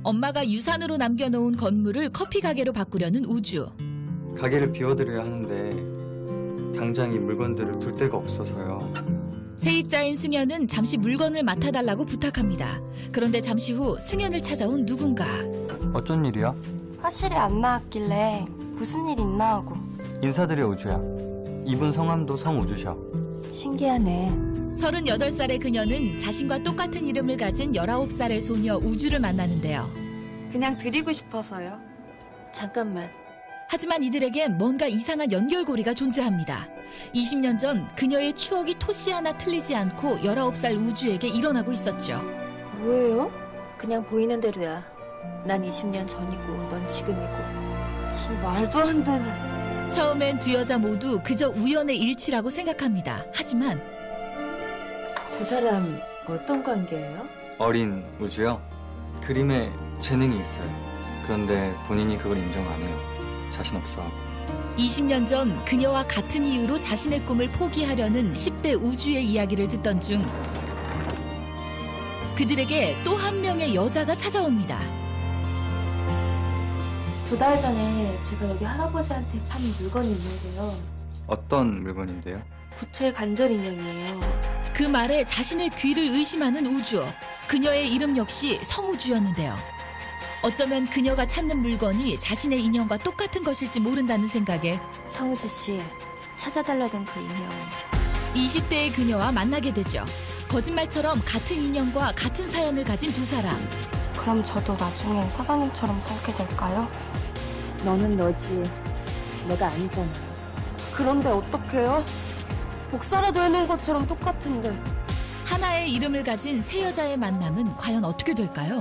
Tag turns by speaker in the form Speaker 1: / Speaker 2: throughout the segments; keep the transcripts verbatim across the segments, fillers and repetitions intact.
Speaker 1: 엄마가 유산으로 남겨놓은 건물을 커피 가게로 바꾸려는 우주.
Speaker 2: 가게를 비워드려야 하는데 당장 이 물건들을 둘 데가 없어서요.
Speaker 1: 세입자인 승현은 잠시 물건을 맡아달라고 부탁합니다. 그런데 잠시 후 승현을 찾아온 누군가.
Speaker 2: 어쩐 일이야?
Speaker 3: 화실에 안 나왔길래 무슨 일 있나 하고.
Speaker 2: 인사드려, 우주야. 이분 성함도 성우주셔.
Speaker 3: 신기하네.
Speaker 1: 서른여덟 살의 그녀는 자신과 똑같은 이름을 가진 열아홉 살의 소녀 우주를 만나는데요.
Speaker 3: 그냥 드리고 싶어서요. 잠깐만.
Speaker 1: 하지만 이들에겐 뭔가 이상한 연결고리가 존재합니다. 이십 년 전 그녀의 추억이 토시 하나 틀리지 않고 열아홉 살 우주에게 일어나고 있었죠.
Speaker 3: 뭐예요? 그냥 보이는 대로야. 난 이십 년 전이고 넌 지금이고. 무슨 말도 안 되는.
Speaker 1: 처음엔 두 여자 모두 그저 우연의 일치라고 생각합니다. 하지만
Speaker 3: 두 사람 어떤 관계예요?
Speaker 2: 어린 우주요? 그림에 재능이 있어요. 그런데 본인이 그걸 인정 안 해요. 자신 없어.
Speaker 1: 이십 년 전 그녀와 같은 이유로 자신의 꿈을 포기하려는 십 대 우주의 이야기를 듣던 중 그들에게 또 한 명의 여자가 찾아옵니다.
Speaker 3: 두 달 전에 제가 여기 할아버지한테 파는 물건이 있는데요.
Speaker 2: 어떤 물건인데요?
Speaker 3: 구체 관절 인형이에요.
Speaker 1: 그 말에 자신의 귀를 의심하는 우주. 그녀의 이름 역시 성우주였는데요. 어쩌면 그녀가 찾는 물건이 자신의 인형과 똑같은 것일지 모른다는 생각에
Speaker 3: 성우주 씨, 찾아달라던 그 인형.
Speaker 1: 이십 대의 그녀와 만나게 되죠. 거짓말처럼 같은 인형과 같은 사연을 가진 두 사람.
Speaker 3: 그럼 저도 나중에 사장님처럼 살게 될까요? 너는 너지. 내가 아니잖아. 그런데 어떡해요? 복사라도 해놓은 것처럼 똑같은데.
Speaker 1: 하나의 이름을 가진 세 여자의 만남은 과연 어떻게 될까요?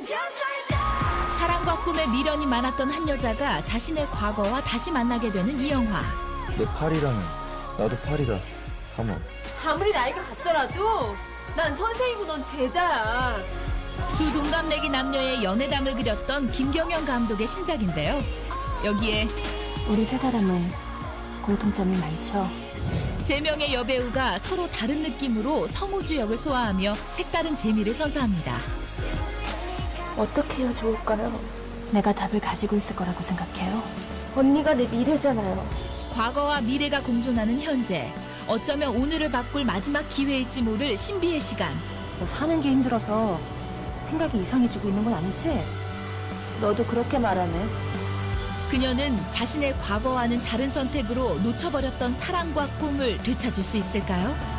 Speaker 1: 사랑과 꿈에 미련이 많았던 한 여자가 자신의 과거와 다시 만나게 되는 이 영화.
Speaker 4: 내 팔이라면 나도 팔이다. 삼원.
Speaker 5: 아무리 나이가 같더라도 난 선생이고 넌 제자야.
Speaker 1: 두 동갑내기 남녀의 연애담을 그렸던 김경영 감독의 신작인데요. 여기에
Speaker 3: 우리 세 사람은 공통점이 많죠.
Speaker 1: 세 명의 여배우가 서로 다른 느낌으로 성우주 역을 소화하며 색다른 재미를 선사합니다.
Speaker 3: 어떻게 해야 좋을까요? 내가 답을 가지고 있을 거라고 생각해요. 언니가 내 미래잖아요.
Speaker 1: 과거와 미래가 공존하는 현재. 어쩌면 오늘을 바꿀 마지막 기회일지 모를 신비의 시간.
Speaker 3: 너 사는 게 힘들어서 생각이 이상해지고 있는 건 아니지? 너도 그렇게 말하네.
Speaker 1: 그녀는 자신의 과거와는 다른 선택으로 놓쳐버렸던 사랑과 꿈을 되찾을 수 있을까요?